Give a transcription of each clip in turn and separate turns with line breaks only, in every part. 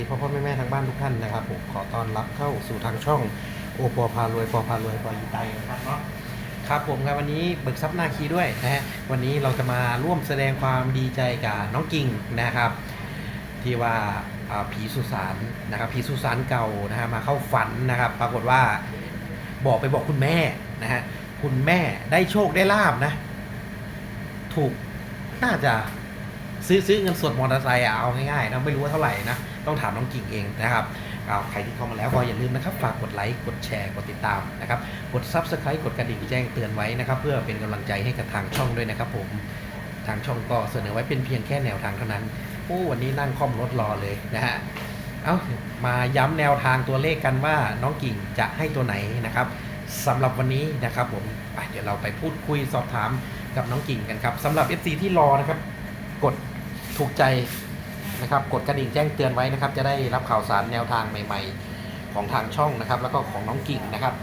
พ่อแม่ทางบ้านทุกท่านนะครับผมขอต้อนรับเข้าสู่ทางช่องโอปอพารวยปอพารวยปอยีไตนะครับเนาะครับผมครับวันนี้เบิกทรัพย์นาคีด้วยนะฮะวันนี้เราจะมาร่วมแสดงความดีใจกับน้องกิ่งนะครับที่ว่าผีสุสานนะครับผีสุสานเก่านะฮะมาเข้าฝันนะครับปรากฏว่าบอกคุณแม่นะฮะคุณแม่ได้โชคได้ลาบนะถูกน่าจะซื้อเงินสดมอเตอร์ไซค์เอาง่ายๆนะไม่รู้ว่าเท่าไหร่นะต้องถามน้องกิ่งเองนะครับใครที่เข้ามาแล้วก็อย่าลืมนะครับฝากกดไลค์กดแชร์กดติดตามนะครับกด Subscribe กดกระดิ่งแจ้งเตือนไว้นะครับเพื่อเป็นกำลังใจให้กับทางช่องด้วยนะครับผมทางช่องก็เสนอไว้เป็นเพียงแค่แนวทางเท่านั้นวันนี้นั่งค่อมรถรอเลยนะฮะมาย้ำแนวทางตัวเลขกันว่าน้องกิ่งจะให้ตัวไหนนะครับสำหรับวันนี้นะครับผมเดี๋ยวเราไปพูดคุยสอบถามกับน้องกิ่งกันครับสำหรับ FC ที่รอนะครับกดถูกใจนะครับกดกระดิ่งแจ้งเตือนไว้นะครับจะได้รับข่าวสารแนวทางใหม่ๆของทางช่องนะครับแล้วก็ของน้องกิ่งนะครับ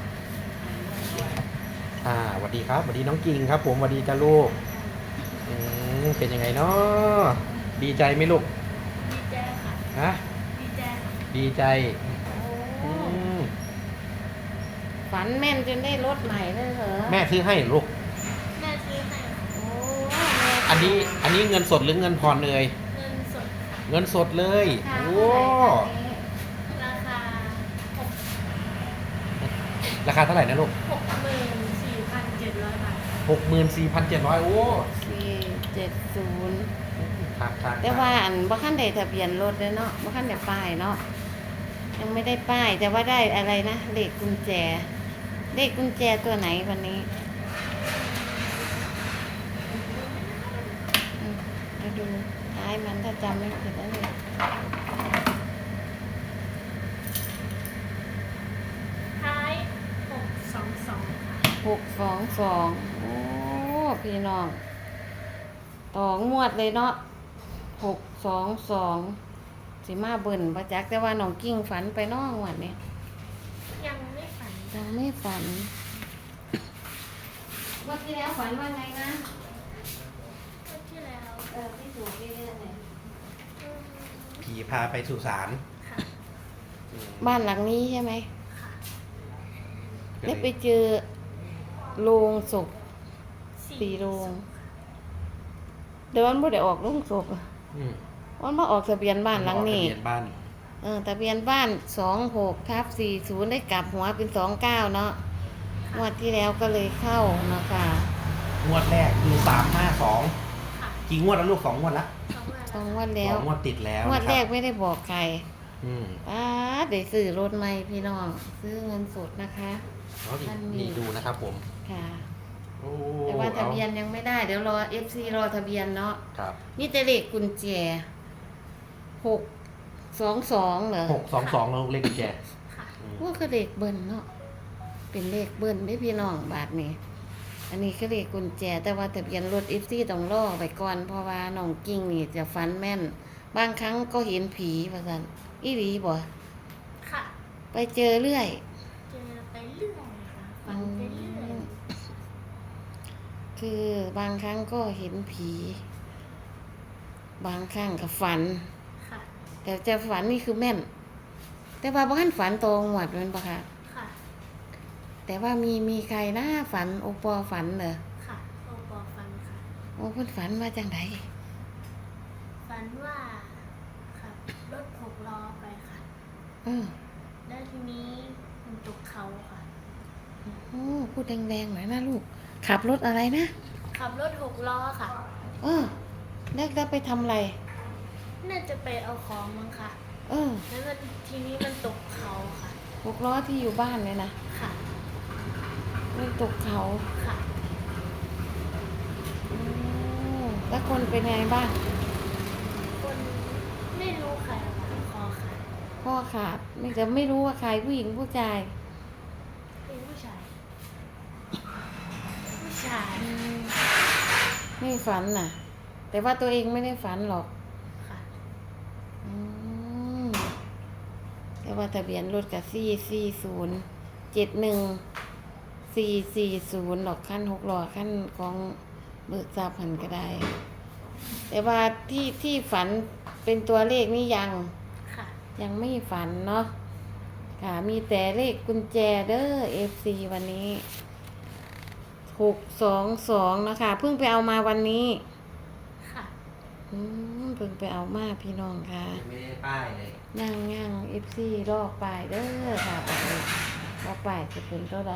สวัสดีครับสวัสดีน้องกิ่งครับผมสวัสดีจ้าลูกเป็นยังไงเนาะดีใจไหมลูก
ดีใจค่ะ
ฮะ
ดีใจค่ะ
ดีใจ
ฝันแม่นจนได้รถใหม่เลยเหรอ
แม่ซื้อให้ลูก
แม่ซื้อให้
โอ้
อันนี้เงินสดหรือเงินผ่อนเลย
เงินสด
เงินสดเลยโอ้
ราคา
ราคาเท่าไหร่นะลูก
64,700 บาท
64,700โอ้
470
ครับ
แต่ว่าอันบ่คันได้ทะเบียนรถเลยเนาะบ่คันได้ป้ายเนาะยังไม่ได้ป้ายแต่ว่าได้อะไรนะเลขกุญแจเลขกุญแจตัวไหนวันนี้มาดูท้ายมันถ้าจำไม่ผิดแล้วเลย
ท้าย622ค่ะ
622โอ้พี่น้องต่องวดเลยเนาะ622สิมาเบิ่นประจักแต่ว่าน้องกิ้งฝันไปน้องวันนี้
ยังไม่ฝัน
วันที่แล้วฝันว่าไงนะ
วันที่แล้ว
ที่ถูกเรื่อยๆเนี่ย
ผีพาไปสุสาน
ค่ะ
บ้านหลังนี้ใช่ไหม
ค่ะ
ได้ไปเจอโรงศพ4 โรงเดี๋ยวมันบ่ได้ออกโรงศพมันมาออกทะเบียนบ้านหลังนี้
ทะเบียนบ้าน
ทะเบียนบ้าน26/40ได้กลับหัวเป็น29เนาะงวดที่แล้วก็เลยเข้าเนาะค่ะ
งวดแรกคือ352
ค่ะ
กี่งวดแล้วลูก2 งวดละ
2 งวดแล้ว
2 งวดติดแล้ว
งวดแรกไม่ได้บอกใครได้ซื้อรถใหม่พี่น้องซื้อเงินสดนะคะ
นี่ดูนะครับผม
ค่ะแต่ว่าทะเบียนยังไม่ได้เดี๋ยวรอ FC รอทะเบียนเนาะ
ครับ
นี่จะเลขกุญแจ622เหรอ
622แล้วเลขกุญแจ
ว่าคือเลขเบิ้ลเนาะเป็นเลขเบิ้ลไม่พี่น้องบาทนี้อันนี้คือเลขกุญแจแต่ว่าทะเบียนรถ FC ต้องรอไปก่อนเพราะว่าน้องกิ้งนี่จะฝันแม่นบางครั้งก็เห็นผีว่าซั่นอีหลีบ่
ค่ะ
ไปเจอเรื่อย
เจอไปเรื่อยค่ะฝันไปเรื่อย
คือบางครั้งก็เห็นผีบางครั้งก็ฝัน
ค่ะ
แต่จะฝันนี่คือแม่นแต่ว่าบ้านฝันตรงหวดมันปะคะ
ค่ะ
แต่ว่ามีใครนะฝันโอปอฝันเหรอ
ค่ะโอปอฝันค่ะ
โอ้เพิ่นฝันว่าจังได
ฝันว่าขับรถ6 ล้อไปค่ะแล้วทีนี้มันตกเขาค่ะ
โอ้พูดแรงๆหน่อยนะลูกขับรถอะไรนะ
ขับรถ6 ล้อค่ะ
แล้วไปทำอะไร
น่าจะไปเอาของมั้งค่ะแล้วทีนี้มันตกเขาค่ะ
6 ล้อที่อยู่บ้านเลยนะ
ค่ะ
มันตกเขา
ค่ะ
แล้วคนเป็นไงบ้าง
คนไม่รู้ใครค่ะ
ข้อขาดไม่รู้ว่าใครผู้หญิงผู้ชาย
เป็นผู้ชาย
ไม่ฝันน่ะแต่ว่าตัวเองไม่ได้ฝันหรอก
ค่ะ
แต่ว่าทะเบียนรถกับ44071 440หรอกขั้น6 ล้อขั้นของเบิกทราบหันก็ได้แต่ว่าที่ฝันเป็นตัวเลขนี่ยัง
ค่ะ
ยังไม่ฝันเนาะค่ะมีแต่เลขกุญแจเด้อ FC วันนี้622นะคะเพิ่งไปเอามาวันนี้
ค่ะ
เพิ่งไปเอามาพี่น้องค่ะ
ไม่ได้ป้ายเลย
ย่าง FC รอบป้ายเด้อค่ะบอกเลยว่าป้ายจะเป็นเท่าใด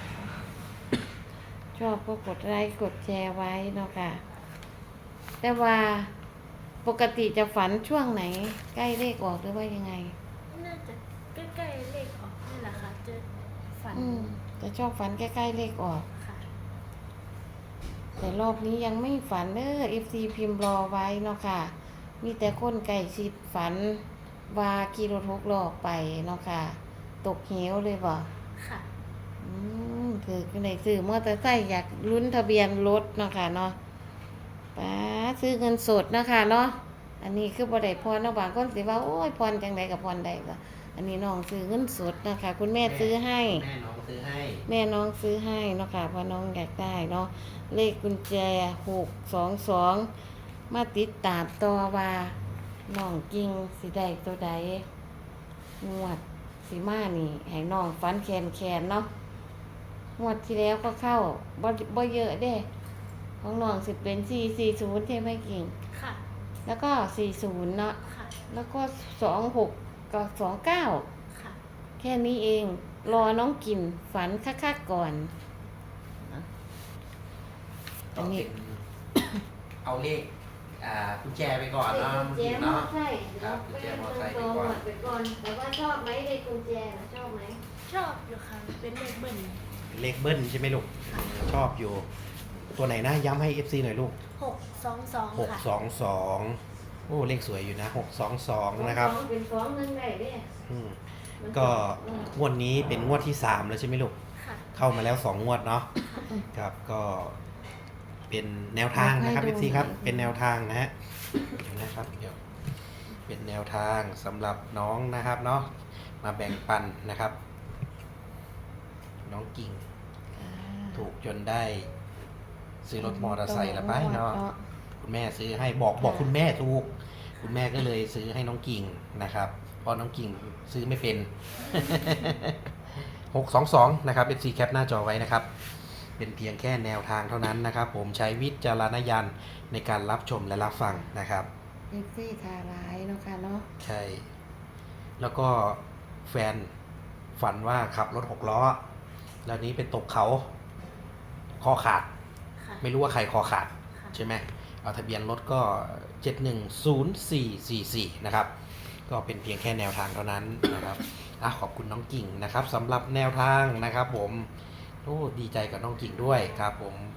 ชอบก็กดไลค์กดแชร์ไว้เนาะค่ะ แต่ว่าปกติจะฝันช่วงไหน ใกล้เลขออกหรือว่ายังไง
น่าจะใกล้ๆเลขออกนี่แหละค่ะจะฝัน
จะชอบฝันใกล้ๆเลขออก
ค่ะ
แต่รอบนี้ยังไม่ฝันเด้อ FC พิมพ์รอไว้เนาะค่ะ มีแต่คนไก่ชิดฝันว่าขี่รถหกล้อไปเนาะค่ะ ตกเหวเลยบ่
ค่ะ
คือในซื้อมอเตอร์ไซค์อยากลุ้นทะเบียนรถเนาะค่ะเนาะป้าซื้อเงินสดเนาะค่ะเนาะอันนี้คือบ่ได้พรเนาะบางคนสิว่าโอ้ยพรจังไดกับพรใดก็อันนี้น้องซื้อเงินสดเนาะค่ะคุณแม่ซื้อให้
แม่น้องซื้อให้
แม่น้องซื้อให้เนาะค่ะเพราะน้องอยากได้เนาะเลขกุญแจ622มาติดตามต่อว่าน้องกิ่งสิได้ตัวใดงวดสิมานี่ให้น้องฟันแคนเนาะงวดที่แล้วก็เข้าบ่เยอะเด้ของน้องสิเป็น440ใช่ไหมกิ่ง
ค่ะ
แล้วก็40เนาะ
ค่ะ
แล้วก็26กับ29
ค่ะ
แค่นี้เองรอน้องกินฝันคักๆก่อน อันนี้
เอาเลขกุญแจไปก่อนเนาะ
กุญแจมอ
เนาะ
ไซค์
ครับกุญแจมอไซค์ไป
ไป
ก่อน
ก่อน แต่ว่าชอบไหมเลขกุญแจน่ะชอบไหม
ชอบอยู่ค่ะ เป็นเลขเบิ้ล
เลขเบิ้ลใช่ไหมลูก ชอบอยู่ ตัวไหนนะย้ำให้ FC หน่อยลูก
622 ค่ะ
622 โอ้เลขสวยอยู่นะ 622 นะครับ
สองเป็นสองหนึ่งได้เด้
อืม
มัน
ก็
เออง
วดนี้เป็นงวดที่ 3 แล้วใช่ไหมลูก
ค่ะ
เข้ามาแล้ว 2 งวดเนาะครับก็เป็นแนวทางนะครับ FC ครับ เป็นแนวทางนะฮะเดี๋ยวนะครับเดี๋ยวเป็นแนวทางสำหรับน้องนะครับเนาะมาแบ่งปันนะครับ น้องกิ่ง
อ่า
ถูกจนได้ซื้อรถมอเตอร์ไซค์ละไปเนาะ
เนาะ
คุณแม่ซื้อให้บอกคุณแม่ถูก คุณแม่ก็เลยซื้อให้น้องกิ่งนะครับเพราะน้องกิ่งซื้อไม่เป็น 622 นะครับ FC แคปหน้าจอไว้นะครับ เป็นเพียงแค่แนวทางเท่านั้นนะครับ ผมใช้วิจารณญาณในการรับชมและรับฟังนะครับ
เอฟซีทาร้ายเนาะค่ะเนาะ
ใช่ แล้วก็แฟนฝันว่าขับรถ6 ล้อ แล้วนี้ไปตกเขาคอขาด
ค่ะ
ไม่รู้ว่าใครคอขาด
ค่ะ
ใช่ไหมเอาทะเบียนรถก็ 710444 นะครับ ก็เป็นเพียงแค่แนวทางเท่านั้นนะครับขอบคุณน้องกิ่งนะครับสำหรับแนวทางนะครับผมโอ้ดีใจกับน้องกิ่งด้วยครับผม